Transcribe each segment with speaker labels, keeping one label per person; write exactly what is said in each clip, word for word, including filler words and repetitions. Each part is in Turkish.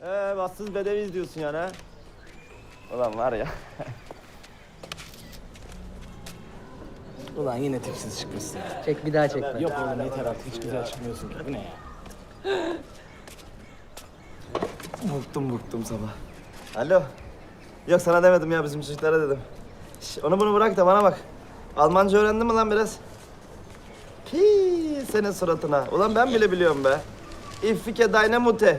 Speaker 1: Ee, bassız bedeviyiz diyorsun yani ha? Ulan var ya.
Speaker 2: Ulan yine tipsiz çıkmışsın.
Speaker 3: Çek bir daha çek.
Speaker 2: Yok oğlum yeter artık hiç güzel çıkmıyorsun ki. Bu ne ya? Bıktım bıktım sabah.
Speaker 1: Alo. Yok sana demedim ya, bizim çocuklara dedim. Şş, onu bunu bırak da bana bak. Almanca öğrendin mi lan biraz? Pii senin suratına. Ulan ben bile biliyorum be. İffike deine Mutter.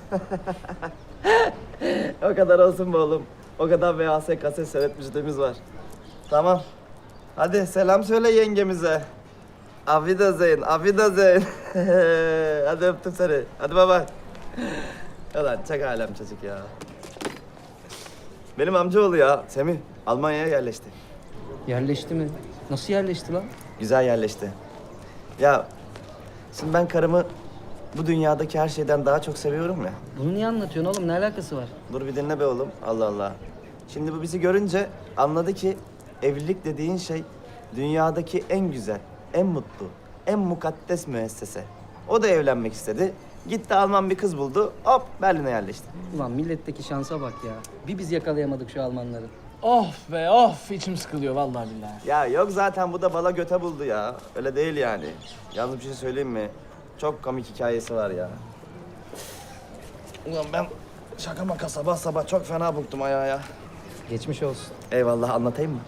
Speaker 1: O kadar olsun be oğlum. O kadar V H S kaset seyretmişliğimiz var. Tamam. Hadi selam söyle yengemize. Auf Wiedersehen, auf Wiedersehen. Hadi öptüm seni. Hadi baba. Ulan çok alem çocuk ya. Benim amcaoğlu ya Semih. Almanya'ya yerleşti.
Speaker 3: Yerleşti mi? Nasıl yerleşti lan?
Speaker 1: Güzel yerleşti. Ya şimdi ben karımı bu dünyadaki her şeyden daha çok seviyorum ya.
Speaker 3: Bunu niye anlatıyorsun oğlum? Ne alakası var?
Speaker 1: Dur bir dinle be oğlum. Allah Allah. Şimdi bu bizi görünce anladı ki evlilik dediğin şey dünyadaki en güzel, en mutlu, en mukaddes müessese. O da evlenmek istedi. Gitti Alman bir kız buldu. Hop Berlin'e yerleşti.
Speaker 3: Ulan milletteki şansa bak ya. Bir biz yakalayamadık şu Almanları.
Speaker 2: Of be of içim sıkılıyor vallahi billahi.
Speaker 1: Ya yok zaten bu da bala göte buldu ya. Öyle değil yani. Yalnız bir şey söyleyeyim mi? Çok komik hikayesi var ya. Ulan ben şaka maka sabah sabah çok fena buktum ayağa ya.
Speaker 3: Geçmiş olsun.
Speaker 1: Eyvallah, anlatayım mı?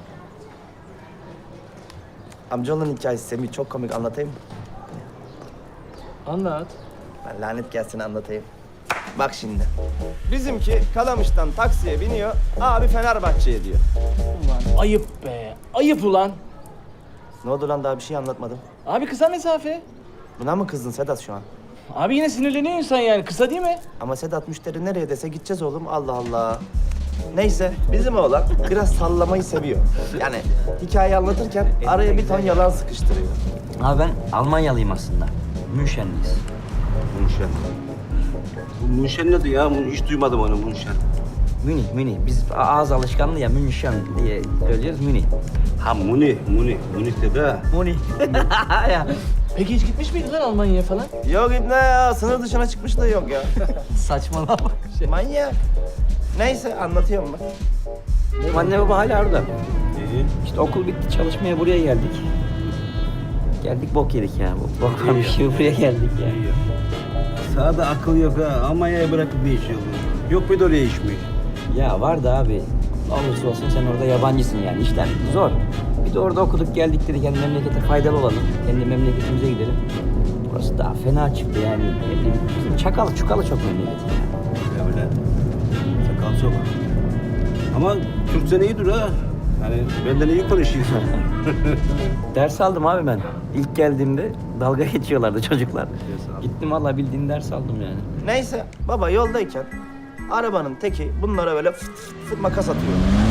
Speaker 1: Amcaoğlunun hikayesi Semih, çok komik, anlatayım mı?
Speaker 2: Anlat.
Speaker 1: Ben lanet gelsin anlatayım. Bak şimdi. Bizimki Kalamış'tan taksiye biniyor. Abi Fenerbahçe'ye diyor.
Speaker 2: Ulan ayıp be ayıp ulan.
Speaker 1: Ne oldu lan, daha bir şey anlatmadım.
Speaker 2: Abi kısa mesafe.
Speaker 1: Buna mı kızdın Sedat şu an?
Speaker 2: Abi yine sinirleniyor insan yani kısa değil mi?
Speaker 1: Ama Sedat müşteri nereye dese gideceğiz oğlum. Allah Allah. Neyse bizim oğlan biraz sallamayı seviyor. Yani hikaye anlatırken araya bir ton yalan sıkıştırıyor.
Speaker 4: Abi ben Almanyalıyım aslında. Münşenliyiz.
Speaker 5: Münşen. Bu Münşen nedir ya? Bunu hiç duymadım onu Münşen.
Speaker 4: Münih, Münih. Biz ağız alışkanlığı ya Münşen diye söylüyoruz Münih.
Speaker 5: Ha Muni, Muni. Muni de.
Speaker 4: Münih. ya.
Speaker 2: Peki hiç gitmiş miydin lan Almanya'ya falan?
Speaker 1: Yok İbne ya, sınır dışına çıkmışlığı yok ya.
Speaker 4: Saçmalama. Şey.
Speaker 1: Manyak. Neyse anlatıyorum bak.
Speaker 4: Benim anne baba hala orada.
Speaker 5: İyi.
Speaker 4: İşte okul bitti çalışmaya buraya geldik. Geldik bok yedik ya. Bok varmış gibi buraya geldik ya.
Speaker 5: İyi. Sağda akıl yok ha. Almanya'ya bırakıp ne iş yapıyorsun? Yok bir de oraya iş mi?
Speaker 4: Ya var da abi. Ne olursa olsun sen orada yabancısın yani. İşler zor. Bir de orada okuduk geldik dedik. Yani memlekete faydalı olalım. Kendi memleketimize gidelim. Burası daha fena çıktı yani. Ne bileyim, bizim çakalı çukalı çok memleket ya.
Speaker 5: Öyle. Sakal çok. Ama Türkçen iyidir ha. Yani benden iyi konuşuyorsun.
Speaker 4: Ders aldım abi ben. İlk geldiğimde dalga geçiyorlardı çocuklar.
Speaker 5: aldın.
Speaker 4: Gittim valla bildiğin ders aldım yani.
Speaker 1: Neyse baba yoldayken arabanın teki bunlara böyle fıt fıt fıt makas atıyor.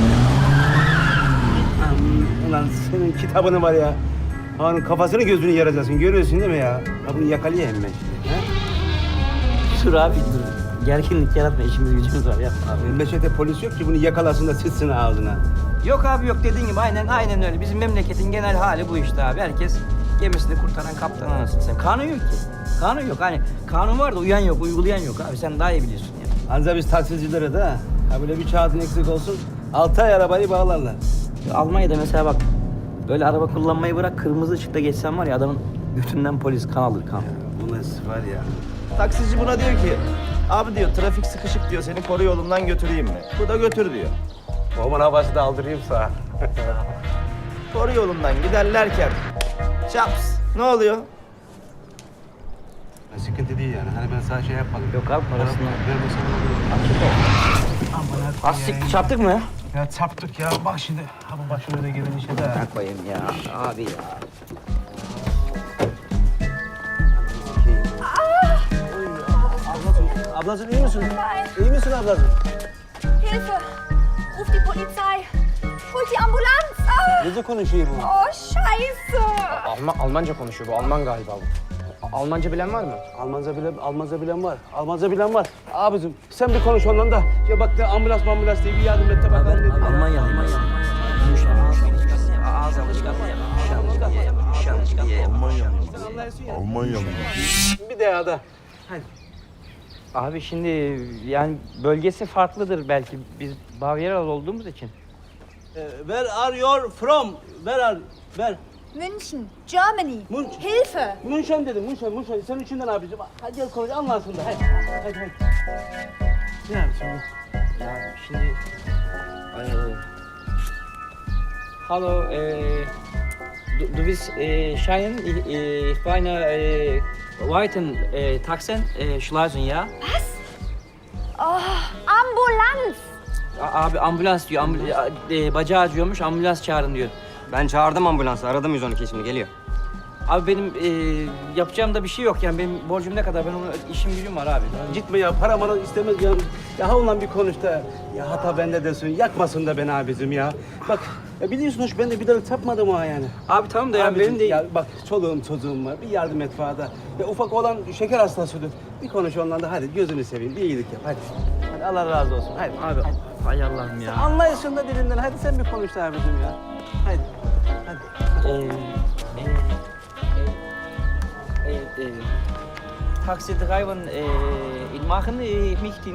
Speaker 5: Ulan senin kitabını var ya. Hanın kafasını gözünü yaracaksın. Görüyorsun değil mi ya? Ha bunu yakalayayım ben şimdi. Ha?
Speaker 4: Dur abi dur. Gerginlik yaratma işimiz gücümüz var ya. Abi.
Speaker 5: Memlekette polis yok ki bunu yakalasın da sıçsın ağzına.
Speaker 4: Yok abi yok dediğin gibi aynen aynen öyle. Bizim memleketin genel hali bu işte abi. Herkes gemisini kurtaran kaptan anasını sen. Kanun yok ki. Kanun yok. Hani kanun var da uyan yok, uygulayan yok abi. Sen daha iyi biliyorsun ya.
Speaker 5: Anca biz taksicilere de ha. Ha böyle bir kağıdın eksik olsun. Altı ay arabayı bağlarlar.
Speaker 4: Almanya'da mesela bak böyle araba kullanmayı bırak kırmızı ışıkta geçsen var ya adamın götünden polis kan alır kan.
Speaker 5: Bu nasıl var ya?
Speaker 1: Taksici buna diyor ki abi diyor trafik sıkışık diyor, seni koru yolundan götüreyim mi? Bu da götür diyor.
Speaker 5: Oman havası da aldırayım sana.
Speaker 1: Koru yolundan giderlerken çaps ne oluyor?
Speaker 5: Sıkıntı değil yani. Hani ben sana şey yapmadım.
Speaker 4: Yok abi parasını.
Speaker 5: Vermesem olur.
Speaker 4: Az siktir çarptık mı ya?
Speaker 5: Ya çarptık ya. Bak şimdi. Ha bu başımıza gelen işe de.
Speaker 4: Ne koyayım ya abi ya.
Speaker 5: Ablacığım iyi misin? İyi misin ablacığım?
Speaker 6: Hilfe! Ruf die Polizei! Holt die Ambulanz! Ah!
Speaker 5: Ne de konuşuyor bu?
Speaker 6: Oh, Scheiße!
Speaker 7: Alman, Almanca konuşuyor bu. Alman galiba bu. Almanca bilen var mı?
Speaker 5: Almanca bilen, Almanca bilen var. Almanca bilen var. Abicim sen bir konuş ondan da. Ya bak de ambulans ambulans diye bir yardım et de bakalım.
Speaker 4: Ben
Speaker 5: ne diyor.
Speaker 4: Almanyalıyım aslında. Münşen, Münşen. Ağız alışkanlığı ya. Münşen diye, Münşen diye.
Speaker 5: Bir de ya da. Hadi.
Speaker 4: Abi şimdi yani bölgesi farklıdır belki biz Bavyeralı olduğumuz için.
Speaker 5: Where are you from? Where are... Where?
Speaker 6: München, Germany.
Speaker 5: München.
Speaker 6: Hilfe!
Speaker 5: München dedim, München, München. Senin içinden abicim. Hadi gel konuş, anlarsın da. Hadi, hadi, hadi. Ne yapıyorsun?
Speaker 4: Ya şimdi... Ee, Hallo, äh, du, du bist äh, Schein, ich, ich meine äh, Weiten äh, Taxen, äh, Schleusen, ja?
Speaker 6: Oh, Ambulanz!
Speaker 4: A- Abi ambulans diyor, ambul e, bacağı acıyormuş, ambulans çağırın diyor.
Speaker 7: Ben çağırdım ambulansı. Aradım yüz on iki şimdi geliyor.
Speaker 4: Abi benim e, yapacağım da bir şey yok yani benim borcum ne kadar, ben onu işim gücüm var abi.
Speaker 5: Gitme ya, para bana istemez ya. Ya ha ulan bir konuş da. Ya hata bende desin, yakmasın da beni abicim ya. Bak, ya biliyorsun hoş ben de bir dalı tapmadım ha yani.
Speaker 4: Abi tamam da ya
Speaker 5: Abicim,
Speaker 4: benim de...
Speaker 5: Ya bak çoluğum çocuğum var, bir yardım et fada. Ya ufak olan şeker hastasıdır. Bir konuş onunla da hadi gözünü seveyim, bir iyilik yap hadi. Hadi Allah razı olsun, hadi.
Speaker 4: Abi hay Allah'ım ya.
Speaker 5: Anlayışın da dilinden, hadi sen bir konuş da abicim ya. Hadi, hadi.
Speaker 4: Ee, e, e, e, e, Taxi driven e, in machen, ich möchte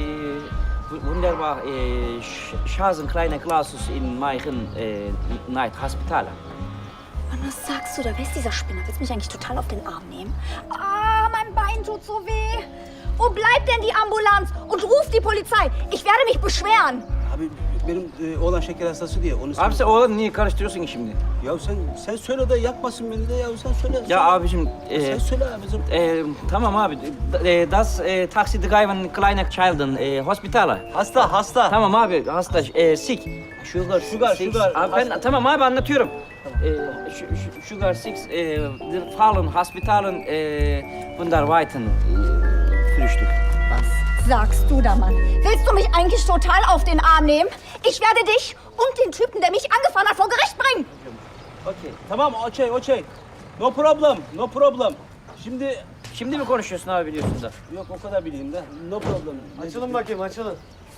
Speaker 4: e, wunderbar e, Schasen kleine Glasus in meinen e, Night Hospital.
Speaker 6: Mann, was sagst du da? Wer ist dieser Spinner? Willst du mich eigentlich total auf den Arm nehmen? Ah, mein Bein tut so weh. Wo bleibt denn die Ambulanz? Und ruf die Polizei. Ich werde mich beschweren.
Speaker 5: Abi benim e, oğlan şeker hastası diye onu
Speaker 4: Abi sen oğlan niye karıştırıyorsun ki şimdi?
Speaker 5: Ya sen sen söyle de yakmasın beni de ya sen söyle.
Speaker 4: Ya abicim, e,
Speaker 5: Sen söyle abicim.
Speaker 4: e, tamam abi, e, das e, Taxi driven kleine Children e, Hospital.
Speaker 5: Hasta hasta.
Speaker 4: Tamam abi, hasta, e, sick. Sugar,
Speaker 5: Sugar,
Speaker 4: six.
Speaker 5: sugar,
Speaker 4: Abi ben,
Speaker 5: hasta.
Speaker 4: tamam abi anlatıyorum. E, şu- şu- sugar six, e, der Fallen, Hospitalen, e, Wunderweiten, e, Frühstück.
Speaker 6: Was sagst du da, Mann? Willst du mich eigentlich total auf den Arm nehmen? Ich werde dich und den Typen, der mich angefahren hat, vor Gericht bringen.
Speaker 4: Okey.
Speaker 5: Tamam okey okey. No problem no problem. Şimdi
Speaker 4: Şimdi mi konuşuyorsun abi biliyorsun da?
Speaker 5: yok o kadar bileyim de. No problem.
Speaker 1: Açılın bakayım, açılın.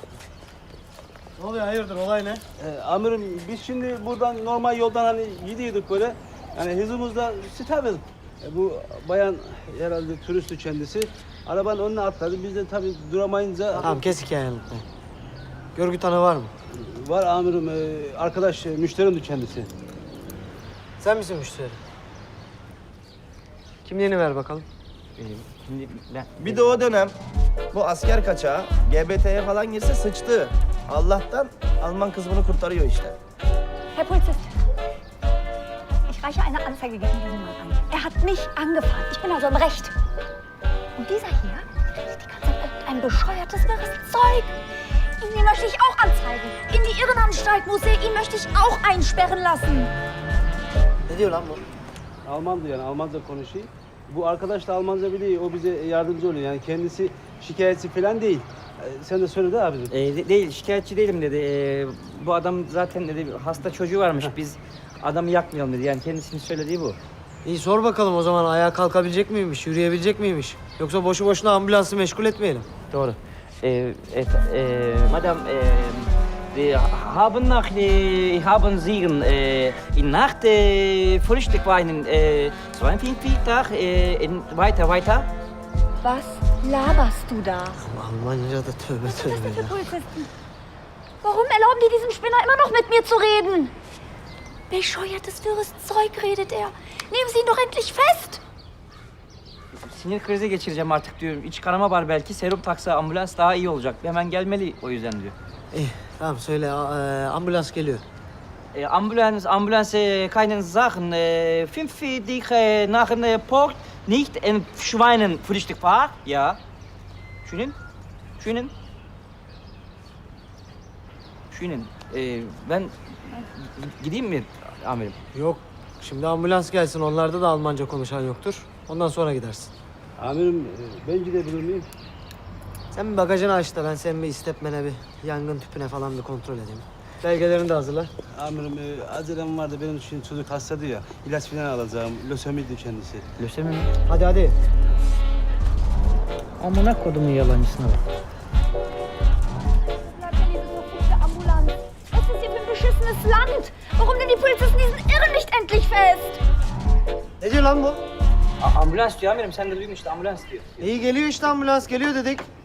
Speaker 1: Ne oluyor, hayırdır, olay ne?
Speaker 5: Ee, amirim biz şimdi buradan normal yoldan hani gidiyorduk böyle. Yani hızımızda stabil. E, bu bayan herhalde turistti kendisi. Arabanın önüne atladı. Biz de tabii duramayınca...
Speaker 1: Tamam, kes hikayeni lütfen. Görgü tanığı var mı?
Speaker 5: Var amirim. e, arkadaş e, müşterimdi kendisi.
Speaker 1: Sen misin müşteri? Kimliğini ver bakalım.
Speaker 4: E, şimdi ben...
Speaker 1: Bir de o dönem bu asker kaçağı G B T'ye falan girse sıçtı. Allah'tan Alman kız bunu kurtarıyor işte.
Speaker 6: Herr Polizist, ich reiche eine Anzeige gegen diesen Mann ein. Er hat mich angefahren. Ich bin also im Recht. Und dieser hier redet die ganze Zeit mit einem bescheuertes, wirres Zeug. Ihn möchte ich auch anzeigen. In die Irrenanstalt muss er. Ihn möchte ich auch einsperren lassen.
Speaker 1: Ne diyor lan bu?
Speaker 5: Almandı yani Almanca konuşuyor. Bu arkadaş da Almanca biliyor. O bize yardımcı oluyor. Yani kendisi şikayetçi falan değil. E, sen de söyle de abicim.
Speaker 4: E, de- değil, şikayetçi değilim dedi. E, bu adam zaten dedi hasta çocuğu varmış. Biz adamı yakmayalım dedi. Yani kendisinin söylediği bu.
Speaker 8: İyi sor bakalım o zaman ayağa kalkabilecek miymiş, yürüyebilecek miymiş? Yoksa boşu boşuna ambulansı meşgul etmeyelim.
Speaker 4: Doğru. E, et, e, madam, e, wir haben nach, e, haben Sie e, in Nacht e, Frühstück weinen, e, zweiundvierzig Tag, e, in, weiter, weiter.
Speaker 6: Was laberst du da?
Speaker 8: Almanca'da tövbe
Speaker 6: Was ist
Speaker 8: tövbe
Speaker 6: das für
Speaker 8: ya.
Speaker 6: Polizisten? Warum erlauben die diesem Spinner immer noch mit mir zu reden? Bescheuertes, wirres Zeug redet er. Nehmen Sie ihn doch endlich fest!
Speaker 4: Sinir krizi geçireceğim artık diyorum. İç kanama var belki. Serum taksa ambulans daha iyi olacak. Hemen gelmeli o yüzden diyor.
Speaker 8: İyi tamam söyle a- e, ambulans geliyor.
Speaker 4: E, Ambulans, Ambulans, e, keinen Sachen. E, fünf dich e, nach dem Port, nicht in Schweinen Frühstück war. Ja. Schönen? Schönen? Schönen. E, ben gideyim mi amirim?
Speaker 8: Yok şimdi ambulans gelsin onlarda da Almanca konuşan yoktur. Ondan sonra gidersin.
Speaker 5: Amirim e, ben gidebilir miyim?
Speaker 8: Sen bir bagajını aç da ben senin bir istepmene bir yangın tüpüne falan bir kontrol edeyim. Belgelerini de hazırla.
Speaker 5: Amirim e, acelem vardı benim için çocuk hastadı ya. İlaç falan alacağım. Lösemiydi kendisi.
Speaker 4: Lösemi mi?
Speaker 8: Hadi hadi.
Speaker 4: Amına kodumun yalancısına bak.
Speaker 6: Bleibt denn diese verfluchte Ambulanz? Was ist hier für ein beschissenes Land? Warum denn die Polizisten diesen Irren nicht endlich fest?
Speaker 8: Ne diyor lan bu?
Speaker 4: A- ambulans diyor amirim. Sen de duydun işte ambulans diyor.
Speaker 8: İyi geliyor işte ambulans geliyor dedik.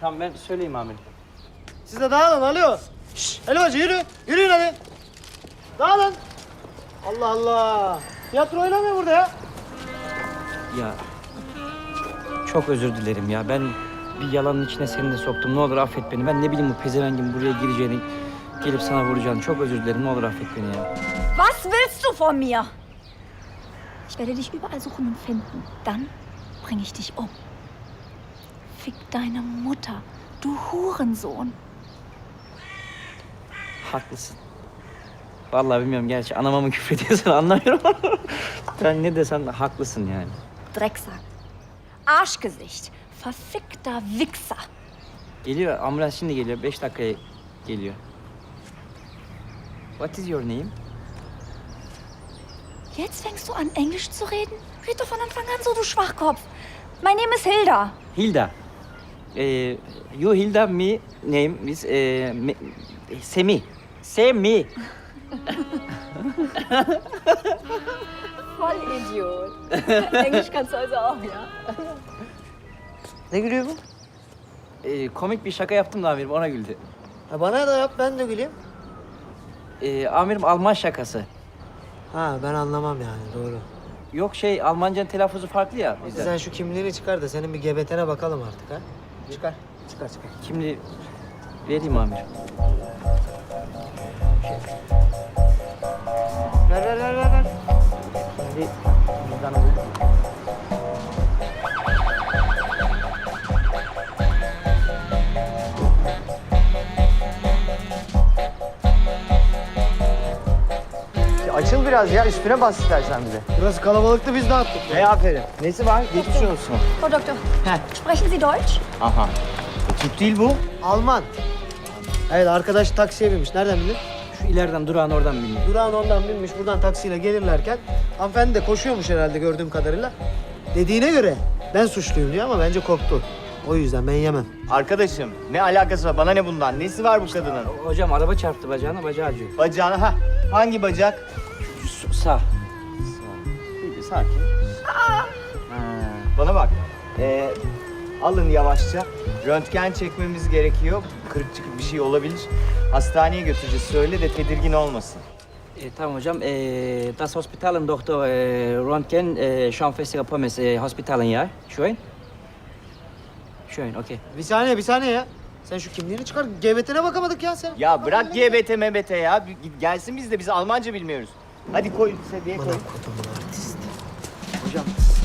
Speaker 4: Tamam ben söyleyeyim amirim.
Speaker 8: Siz de dağılın alo. Şşş Elvacı yürü. Yürüyün hadi. Dağılın. Allah Allah. Tiyatro oynamıyor burada ya.
Speaker 4: Ya çok özür dilerim ya. Ben bir yalanın içine seni de soktum. Ne olur affet beni. Ben ne bileyim bu pezevengin buraya gireceğini, gelip sana vuracağını. Çok özür dilerim. Ne olur affet beni ya.
Speaker 6: Was willst du von mir? Ich werde dich überall suchen und finden. Dann bringe ich dich um. Fick deine Mutter, du Hurensohn.
Speaker 4: Haklısın. Vallahi bilmiyorum gerçi anama mı küfrediyorsun anlamıyorum. Sen ne desen haklısın yani.
Speaker 6: Drecksack. Arschgesicht. Verfickter Wichser.
Speaker 4: Geliyor ambulans şimdi geliyor. Beş dakikaya geliyor. What is your name?
Speaker 6: Jetzt fängst du an, Englisch zu reden? Red doch von Anfang an so, du Schwachkopf. My name is Hilda.
Speaker 4: Hilda. Ee, you Hilda me name is eh, me, Semi. Semi.
Speaker 6: Voll Idiot. Englisch kannst du also auch, ja?
Speaker 8: Ne gülüyor bu?
Speaker 4: Ee, komik bir şaka yaptım da amirim ona güldü.
Speaker 8: Ha, bana da yap ben de güleyim.
Speaker 4: Ee, amirim Alman şakası.
Speaker 8: Ha ben anlamam yani doğru.
Speaker 4: Yok şey Almancanın telaffuzu farklı ya bizden.
Speaker 8: Sen şu kimliğini çıkar da senin bir gebetene bakalım artık ha. Çıkar. Çıkar çıkar.
Speaker 4: Kimliği vereyim amirim.
Speaker 8: Ver ver ver ver. ver.
Speaker 4: Şimdi buradan alayım.
Speaker 7: Açıl biraz ya, üstüne bas istersen bize.
Speaker 8: Burası kalabalıktı biz dağıttık.
Speaker 7: Hey aferin. Nesi var? Geçmiş olsun.
Speaker 6: Frau Doktor, sprechen Sie Deutsch?
Speaker 7: Aha. Türk değil bu.
Speaker 8: Alman. Evet arkadaş taksiye binmiş. Nereden bildin?
Speaker 4: Şu ileriden durağın oradan biniyor.
Speaker 8: Durağın ondan binmiş. Buradan taksiyle gelirlerken hanımefendi de koşuyormuş herhalde gördüğüm kadarıyla. Dediğine göre ben suçluyum diyor ama bence korktu. O yüzden ben yemem.
Speaker 7: Arkadaşım ne alakası var? Bana ne bundan? Nesi var bu kadının?
Speaker 4: Hocam araba çarptı bacağına, bacağı acıyor.
Speaker 7: Bacağına ha. Hangi bacak?
Speaker 4: Su- Sağ.
Speaker 7: Bir sakin. Ha, bana bak. Ee, alın yavaşça. Röntgen çekmemiz gerekiyor. Kırık çıkık bir şey olabilir. Hastaneye götüreceğiz. Söyle de tedirgin olmasın.
Speaker 4: E, tamam hocam. E, das Hospitalen Doktor e, Röntgen e, schon feste Pommes e, Hospitalen ya. Schön. Schön, okey.
Speaker 8: Bir saniye bir saniye ya. Sen şu kimliğini çıkar. Gebetene bakamadık ya sen.
Speaker 7: Ya bırak G B T M B T ya. Bir- Gelsin biz de biz Almanca bilmiyoruz. Hadi koy seviye koy.
Speaker 4: Hocam.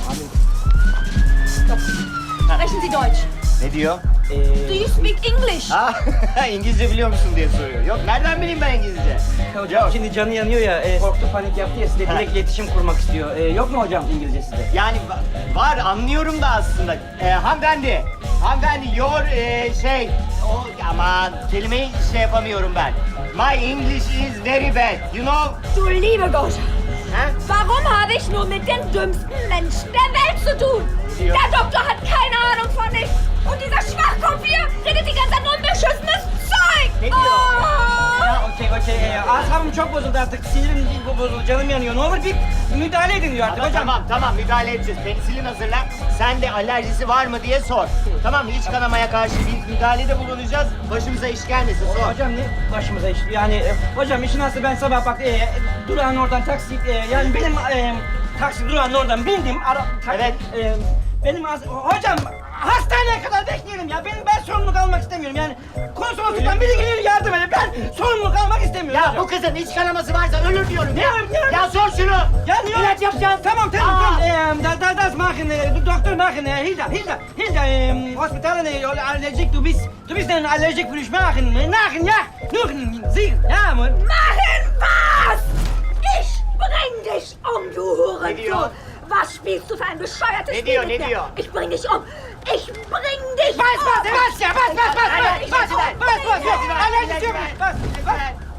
Speaker 6: Sprechen Sie Deutsch?
Speaker 7: Ne diyor?
Speaker 4: E,
Speaker 6: Do you speak English?
Speaker 7: Ha, İngilizce biliyor musun diye soruyor. Yok nereden bileyim ben İngilizce?
Speaker 4: hocam
Speaker 7: Yok.
Speaker 4: şimdi canı yanıyor ya. E, korktu panik yaptı ya. Size direkt iletişim kurmak istiyor. E, yok mu hocam İngilizce sizde?
Speaker 7: Yani va- var anlıyorum da aslında. Ee, hanımefendi, hanımefendi your e, şey, o aman kelimeyi şey yapamıyorum ben. My English is very bad, you know?
Speaker 6: Du liebe Gott!
Speaker 7: Ha?
Speaker 6: Warum habe ich nur mit den dümmsten Menschen der Welt zu tun?
Speaker 7: Ja.
Speaker 6: Der Doktor hat keine Ahnung von nichts. Und dieser Schwachkopf hier redet die ganze Zeit nur unbeschissenes Zeug.
Speaker 7: Ne diyor?
Speaker 6: Oh!
Speaker 4: Ya okey okey. E, asabım çok bozuldu artık. Sinirim bu- bozuldu. Canım yanıyor. Ne olur bir müdahale edin diyor artık
Speaker 7: Tamam,
Speaker 4: hocam.
Speaker 7: tamam tamam müdahale edeceğiz. Penisilin hazırla. Sen de alerjisi var mı diye sor. Tamam mı? İç kanamaya karşı bir müdahalede bulunacağız. Başımıza iş gelmesin sor.
Speaker 4: Hocam ne başımıza iş? Yani e, hocam işin aslı ben sabah bak e, durağın oradan taksi e, yani benim e, taksi durağın oradan bindim. Ara, ta-
Speaker 7: Evet.
Speaker 4: E, benim as- hocam hastaneye kadar bekleyelim ya. Benim ben sorumluluk almak istemiyorum. Yani konsolosluktan biri gelir yardım eder. Ben sorumluluk almak istemiyorum.
Speaker 7: Ya
Speaker 4: hocam.
Speaker 7: bu kızın iç kanaması varsa ölür diyorum.
Speaker 4: Ne
Speaker 7: ya.
Speaker 4: ölür, ne ölür?
Speaker 7: Ya sor şunu.
Speaker 4: Ya niye?
Speaker 7: İlaç yapacağız.
Speaker 4: Tamam tamam
Speaker 7: Aa.
Speaker 4: tamam. Ee, da, da, das machen, äh, du Doktor machen, äh, Hilda, Hilda, Hilda, ähm, Hospitalen, äh, allergic, du bist, du bist ein allergic für machen, machen, ja, nur, sie, ja, Mann.
Speaker 6: Machen was? Ich bring dich um, du
Speaker 7: Ne diyor?
Speaker 6: Hurensohn! Was spielst du für ein bescheuertes
Speaker 7: Ne
Speaker 6: Spiel
Speaker 7: diyor,
Speaker 6: mit
Speaker 7: ne
Speaker 6: mir?
Speaker 7: diyor?
Speaker 6: Ich bring dich um! Ich bring dich
Speaker 4: Bas,
Speaker 6: um!
Speaker 4: bas, bas ya, bas, bas, bas,
Speaker 7: Hadi,
Speaker 4: bas,
Speaker 7: hadi,
Speaker 4: bas,
Speaker 7: hadi,
Speaker 4: bas, bas, bas,
Speaker 7: hadi, hadi,
Speaker 4: allergic
Speaker 7: hadi,
Speaker 4: yok,
Speaker 7: hadi.
Speaker 4: bas, bas.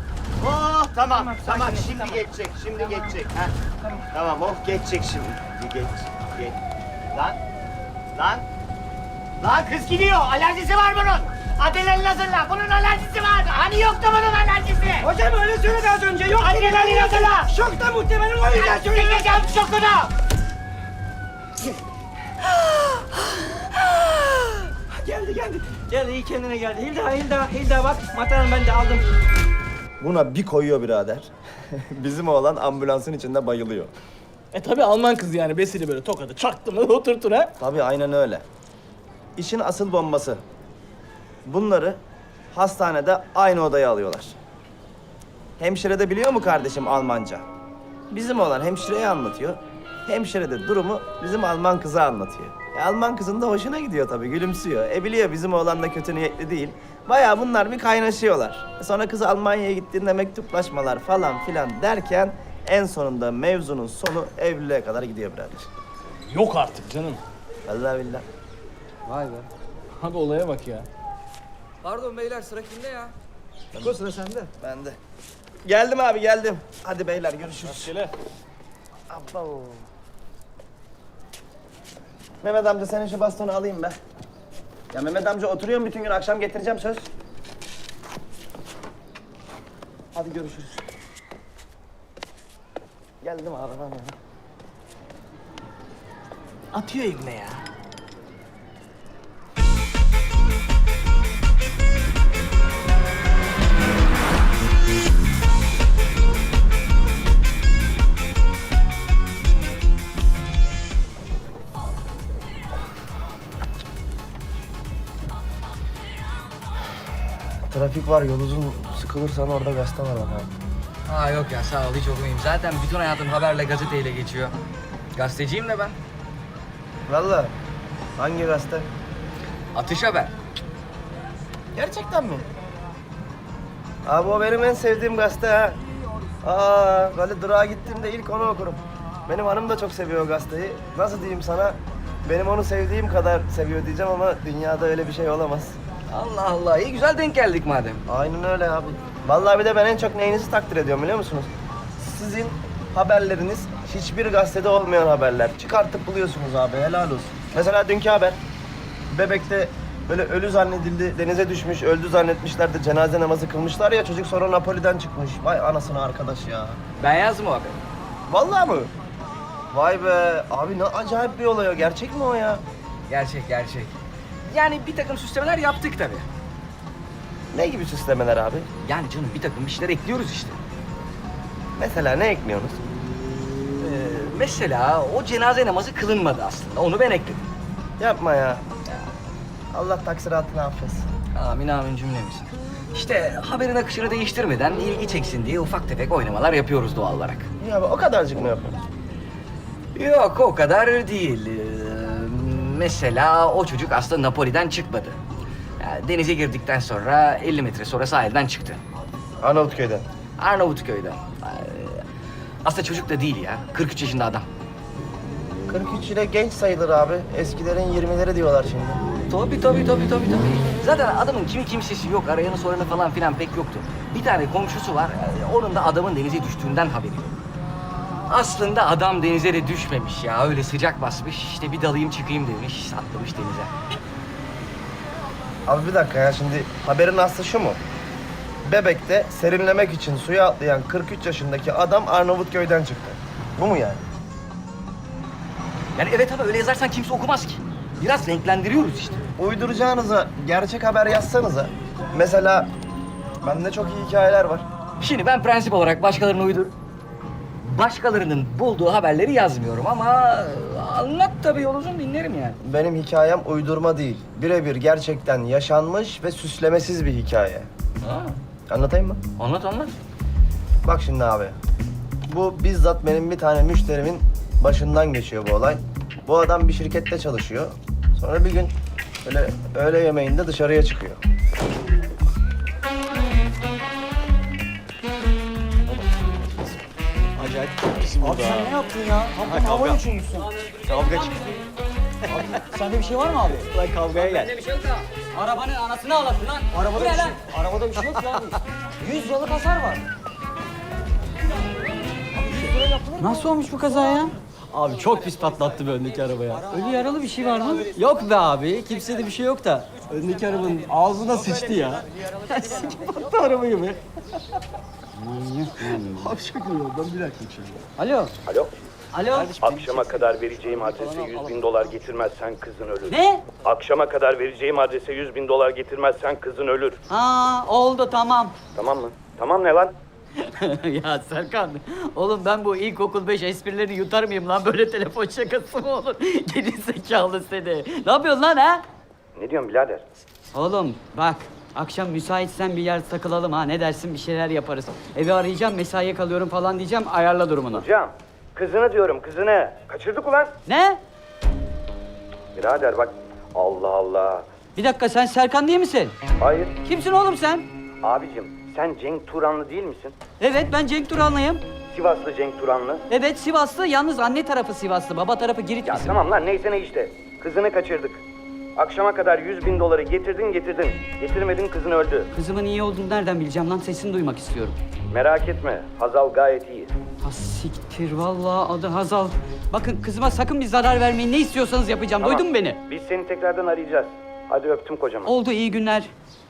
Speaker 7: Oh tamam tamam,
Speaker 4: sakin,
Speaker 7: şimdi
Speaker 4: tamam.
Speaker 7: geçecek şimdi geçecek ha. Tamam oh geçecek şimdi. Bir geç geç. Lan lan lan kız gidiyor alerjisi var bunun. Adrenalin hazırla bunun alerjisi var. Hani yoktu bunun alerjisi.
Speaker 4: Hocam öyle söyledi az önce, yok.
Speaker 7: Adrenalin hazırla.
Speaker 4: Şokta muhtemelen o yüzden söyledi.
Speaker 7: Çekeceğim şokunu.
Speaker 4: Geldi, geldi. Gel iyi kendine geldi. Hilda, Hilda, Hilda bak. Mataran ben de aldım.
Speaker 1: Buna bir koyuyor birader. Bizim oğlan ambulansın içinde bayılıyor.
Speaker 2: E tabi Alman kızı yani besili böyle tokadı çaktım lan oturtun ha.
Speaker 1: Tabii aynen öyle. İşin asıl bombası. Bunları hastanede aynı odaya alıyorlar. Hemşire de biliyor mu kardeşim Almanca? Bizim oğlan hemşireye anlatıyor. Hemşire de durumu bizim Alman kıza anlatıyor. E, Alman kızın da hoşuna gidiyor tabii, gülümsüyor. E biliyor bizim oğlan da kötü niyetli değil. Bayağı bunlar bir kaynaşıyorlar. E, sonra kız Almanya'ya gittiğinde mektuplaşmalar falan filan derken en sonunda mevzunun sonu evliliğe kadar gidiyor birader.
Speaker 2: Yok artık canım.
Speaker 1: Vallahi billahi.
Speaker 3: Vay be.
Speaker 2: Abi olaya bak ya.
Speaker 3: Pardon beyler sıra kimde ya?
Speaker 8: O sıra sende.
Speaker 1: Ben de. Geldim abi geldim. Hadi beyler görüşürüz.
Speaker 2: Şöyle.
Speaker 1: Abo. Mehmet amca senin şu bastonu alayım be. Ya Mehmet amca oturuyorum bütün gün, akşam getireceğim söz. Hadi görüşürüz. Geldim abi ben ya.
Speaker 2: Atıyor ibne ya.
Speaker 1: Trafik var, yol uzun. Sıkılırsan orada gazete var bak.
Speaker 3: Ha yok ya sağ ol hiç okumayayım. Zaten bütün hayatım haberle gazeteyle geçiyor. Gazeteciyim de ben.
Speaker 1: Vallahi. Hangi gazete?
Speaker 3: Atış Haber.
Speaker 1: Gerçekten mi? Abi o benim en sevdiğim gazete ha. Aa, böyle durağa gittiğimde ilk onu okurum. Benim hanım da çok seviyor o gazeteyi. Nasıl diyeyim sana? Benim onu sevdiğim kadar seviyor diyeceğim ama dünyada öyle bir şey olamaz.
Speaker 3: Allah Allah iyi güzel denk geldik madem.
Speaker 1: Aynen öyle abi. Vallahi bir de ben en çok neyinizi takdir ediyorum biliyor musunuz? Sizin haberleriniz hiçbir gazetede olmayan haberler. Çıkartıp buluyorsunuz abi, helal olsun. Mesela dünkü haber. Bebekte böyle ölü zannedildi, denize düşmüş, öldü zannetmişler de cenaze namazı kılmışlar ya, çocuk sonra Napoli'den çıkmış. Vay anasını arkadaş ya.
Speaker 3: Ben yazdım o haberi.
Speaker 1: Vallahi mı? Vay be, abi ne acayip bir olay o. Gerçek mi o ya?
Speaker 3: Gerçek gerçek. Yani bir takım süslemeler yaptık tabii.
Speaker 1: Ne gibi süslemeler abi?
Speaker 3: Yani canım bir takım bir şeyler ekliyoruz işte.
Speaker 1: Mesela ne ekliyorsunuz?
Speaker 3: Ee, mesela o cenaze namazı kılınmadı aslında. Onu ben ekledim.
Speaker 1: Yapma ya. Allah taksiratını affetsin.
Speaker 3: Amin amin cümlemizin. İşte haberin akışını değiştirmeden ilgi çeksin diye ufak tefek oynamalar yapıyoruz doğal olarak.
Speaker 1: Ya abi o kadarcık mı yapıyorsunuz?
Speaker 3: Yok o kadar değil. Ee, mesela o çocuk aslında Napoli'den çıkmadı. Yani denize girdikten sonra elli metre sonra sahilden çıktı.
Speaker 1: Arnavutköy'den.
Speaker 3: Arnavutköy'den. Ee, aslında çocuk da değil ya. kırk üç yaşında adam.
Speaker 1: kırk üç ile genç sayılır abi. Eskilerin yirmileri diyorlar şimdi.
Speaker 3: Tabii tabii tabii tabii tabii. Zaten adamın kimi kimsesi yok. Arayanı soranı falan filan pek yoktu. Bir tane komşusu var. ee, Onun da adamın denize düştüğünden haberi yok. Aslında adam denize de düşmemiş ya. Öyle sıcak basmış. İşte bir dalayım çıkayım demiş. Atlamış denize.
Speaker 1: Abi bir dakika ya, şimdi haberin aslı şu mu? Bebek'te serinlemek için suya atlayan kırk üç yaşındaki adam Arnavutköy'den çıktı. Bu mu yani?
Speaker 3: Yani evet ama öyle yazarsan kimse okumaz ki. Biraz renklendiriyoruz işte.
Speaker 1: Uyduracağınıza gerçek haber yazsanıza. Mesela bende çok iyi hikayeler var.
Speaker 3: Şimdi ben prensip olarak başkalarını uydur... Başkalarının bulduğu haberleri yazmıyorum ama anlat tabii yol uzun dinlerim yani.
Speaker 1: Benim hikayem uydurma değil. Birebir gerçekten yaşanmış ve süslemesiz bir hikaye.
Speaker 3: Ha,
Speaker 1: Anlatayım mı?
Speaker 3: anlat anlat.
Speaker 1: Bak şimdi abi. Bu bizzat benim bir tane müşterimin başından geçiyor bu olay. Bu adam bir şirkette çalışıyor. Sonra bir gün böyle öğle yemeğinde dışarıya çıkıyor.
Speaker 9: Abi sen ne yaptın ya? Tam havaya uçurmuşsun.
Speaker 7: Kavga çıktı.
Speaker 9: Sende bir şey var mı abi?
Speaker 7: Lan kavgaya gel.
Speaker 3: Bir şey yok da arabanın anasını ağlasın lan.
Speaker 9: Arabada bir şey, arabada bir şey yok ya. Yüz liralık hasar var. Nasıl olmuş bu kaza ya?
Speaker 10: Abi çok pis patlattı bir öndeki arabaya.
Speaker 9: Ölü yaralı bir şey var mı?
Speaker 10: Yok be abi, kimsede bir şey yok da. Öndeki arabanın ağzına sıçtı ya. Sikip attı arabayı be. Abi çok iyi oldu, bir dakika içeri.
Speaker 9: Alo.
Speaker 1: Alo.
Speaker 4: Alo.
Speaker 11: Akşama kadar vereceğim adrese yüz bin dolar getirmezsen kızın ölür.
Speaker 4: Ne?
Speaker 11: Akşama kadar vereceğim adrese yüz bin dolar getirmezsen kızın ölür.
Speaker 4: Ha oldu tamam.
Speaker 11: Tamam mı? Tamam ne lan?
Speaker 4: Ya Serkan, oğlum ben bu ilkokul beş esprileri yutar mıyım lan? Böyle telefon şakası mı olur? Geri zekalı seni. Ne yapıyorsun lan ha?
Speaker 11: Ne diyorsun birader?
Speaker 4: Oğlum bak, akşam müsaitsen bir yer takılalım ha. Ne dersin, bir şeyler yaparız. Evi arayacağım, mesaiye kalıyorum falan diyeceğim. Ayarla durumunu.
Speaker 11: Hocam, kızını diyorum kızını. Kaçırdık ulan.
Speaker 4: Ne?
Speaker 11: Birader bak, Allah Allah.
Speaker 4: Bir dakika, sen Serkan değil misin?
Speaker 11: Hayır,
Speaker 4: Kimsin oğlum sen?
Speaker 11: abicim sen Cenk Turanlı değil misin?
Speaker 4: Evet, ben Cenk Turanlıyım.
Speaker 11: Sivaslı Cenk Turanlı.
Speaker 4: Evet, Sivaslı. Yalnız anne tarafı Sivaslı, baba tarafı Girit
Speaker 11: Ya
Speaker 4: bizim.
Speaker 11: tamam lan neyse ne işte. Kızını kaçırdık. Akşama kadar yüz bin doları getirdin getirdin. Getirmedin kızın öldü.
Speaker 4: Kızımın iyi olduğunu nereden bileceğim lan? Sesini duymak istiyorum.
Speaker 11: Merak etme, Hazal gayet iyi.
Speaker 4: Ha siktir, vallahi adı Hazal. Bakın kızıma sakın bir zarar vermeyin. Ne istiyorsanız yapacağım.
Speaker 11: Tamam.
Speaker 4: Duydun mu beni?
Speaker 11: Biz seni tekrardan arayacağız. Hadi öptüm kocaman.
Speaker 4: Oldu, iyi günler.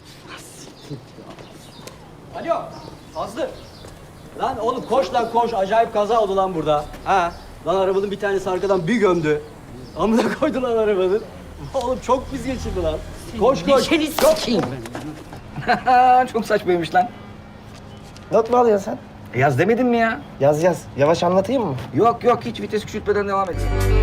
Speaker 10: Alo, Fazlı. Lan oğlum koş lan koş. Acayip kaza oldu lan burada. Ha? Lan arabanın bir tanesi arkadan bir gömdü. Amına koydu lan arabanın. Oğlum çok pis geçirdi lan. Koş koş.
Speaker 4: Neşeni sikeyim ben.
Speaker 3: Çok saçmaymış lan.
Speaker 1: Not mu alıyorsun sen?
Speaker 3: Yaz demedin mi ya?
Speaker 1: Yaz yaz. Yavaş anlatayım mı?
Speaker 3: Yok yok hiç vites küçültmeden devam et.